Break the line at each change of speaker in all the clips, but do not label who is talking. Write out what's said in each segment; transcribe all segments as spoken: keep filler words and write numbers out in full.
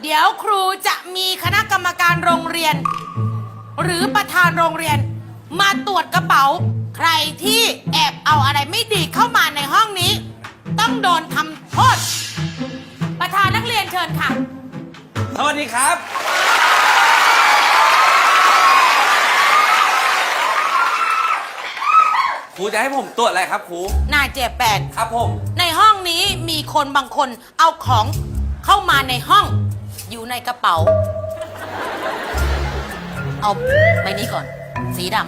เดี๋ยวครูจะมีคณะกรรมการโรงเรียน หรือประธานโรงเรียน มาตรวจกระเป๋า ใครที่แอบเอาอะไรไม่ดีเข้ามาในห้องนี้ ต้องโดนทำโทษ ประธานนักเรียนเชิญค่ะ
สวัสดีครับ ครูจะให้ผมตรวจอะไรครับครู
นายเจ็บแปด
ครับผม
ในห้องนี้มีคนบางคนเอาของเข้ามาในห้อง อยู่ในกระเป๋า เอาใบนี้ก่อน สีด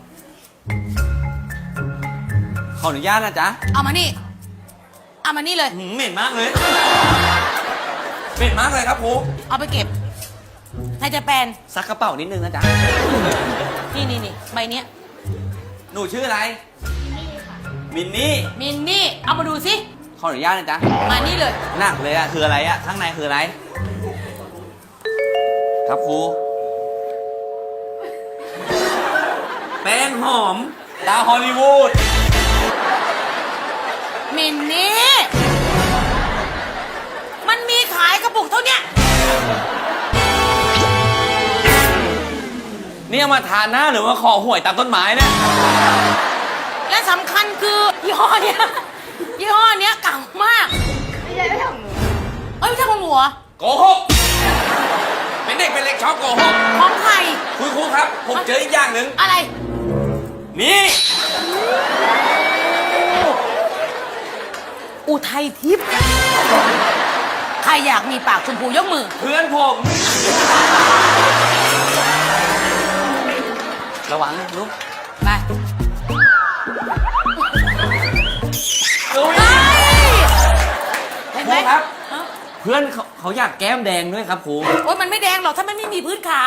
ขออนุญาตนะจ๊ะ
ำเอามานี่ เอามานี่เลย
หืมเหม็นมากเลย เหม็นมากเลยครับครู
เอาไปเก็บนายเจ็บแปด
ซักกระเป๋านิดนึงนะจ๊ะ
นี่นี่นี่ใบเนี้ย
หนูชื่ออะไร มินนี่
มินนี่ เอามาดูสิ
ขออนุญาตนะจ๊ะ
มานี่เลย
หนักเลยอะคืออะไรอะข้างในคืออะไร ครับครู แป้งหอม ตาฮอลลีวูด
มินนี่ มันมีขายกระปุกเท่าเนี้ย
นี่เอามาทานหน้าหรือว่าขอหวยตามต้นไม้เนี่ย
และสำคัญคือยี่ห้อเนี้ยยี่ห้อเนี้ยเก่ามาก
ไม่ใช่ไม่ใช่ของหนู
เอ้ยไม่ใช่ของหนูเหรอ
โกหก เป็นเด็กเป็นเล็กชอบโกหก
ของใคร
คุณครูครับ ผมเจออีกอย่างหนึ่ง
อะไร
นี่
อุทัยทิพย์ใครอยากมีปากชมพูยกมือ
เพื่อนผม ระวังนะลูก
ไป
ดู
เฮ้ย
ค
เห็น
รู
ไหม
ครับ
ฮะ
เพื่อนเขาเขาอยากแก้มแดงด้วยครับครู
โอ๊ยมันไม่แดงหรอกถ้ามันไม่มีพื้นขาว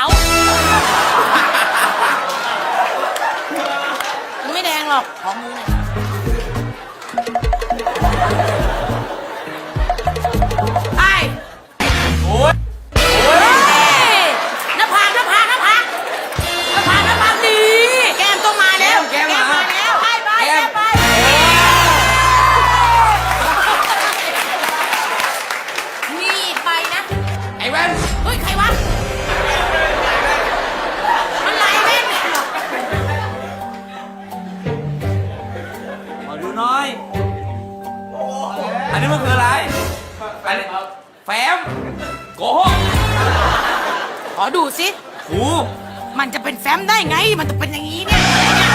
มันไม่แดงหรอกขอมือหน่อยไป
โอ้ย
เฮ้ยหน้าผากหน้าผากหน้าผากหน้าผากหน้าผากดีแก้มต้องมาแล้ว
แก้มมา
แล้วไปไป
แก้
แก้
ม
มไปมีอีกใบนะ
ไอ้แว่น
เฮ้ย ใครวะ มันลายแม่งเนี่ย
มาดูหน่อย อันนี้มันคืออะไร อันนี้แฟ้มโกหก
ขอดูสิ
ครู
มันจะเป็นแฟ้มได้ไง มันจะเป็นอย่างนี้เนี่ย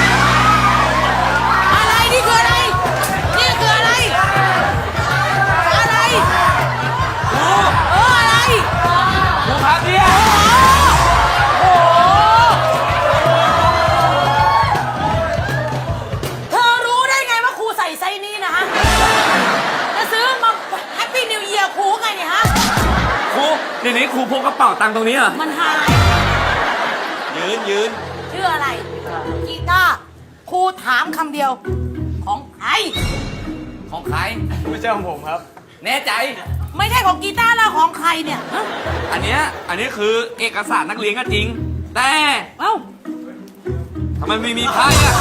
อะไรนี่คืออะไร นี่คืออะไร อะไร
ครู
เอออะไร
ครูครับเนี่ย
โอ้โหเธอรู้ได้ไงว่าครูใส่ไซส์นี้นะฮะ จะซื้อมาแฮปปี้นิวเยียร์ครูไงเนี่ยฮะ
ครูเดี๋ยวนี้ครูพกกระเป๋าตังค์ตรงนี้เหรอ
มันหาย
ยืนยืน
ชื่ออะไร กีตาร์ครูถามคำเดียว ของใคร
ของใคร
ไม่ใช่ของผมครับ
แน่ใจ
ไม่ใช่ของกีตาร์แล้วของใครเนี่ยฮะ
อันเนี้ย อันนี้คือเอกสารนักเรียนก็จริง แต่
เอ้า
ทำไมไม่มีไพ่อะ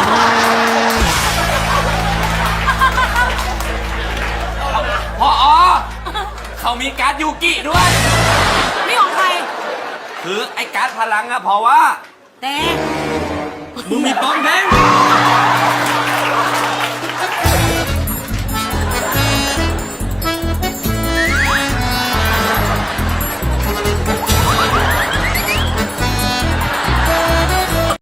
พออเขามีการ์ดยูกิด้วย
นี่ของใคร
คือไอ้การ์ดพลังอะเพราะว่า
แต่
มึงมีปอมแดง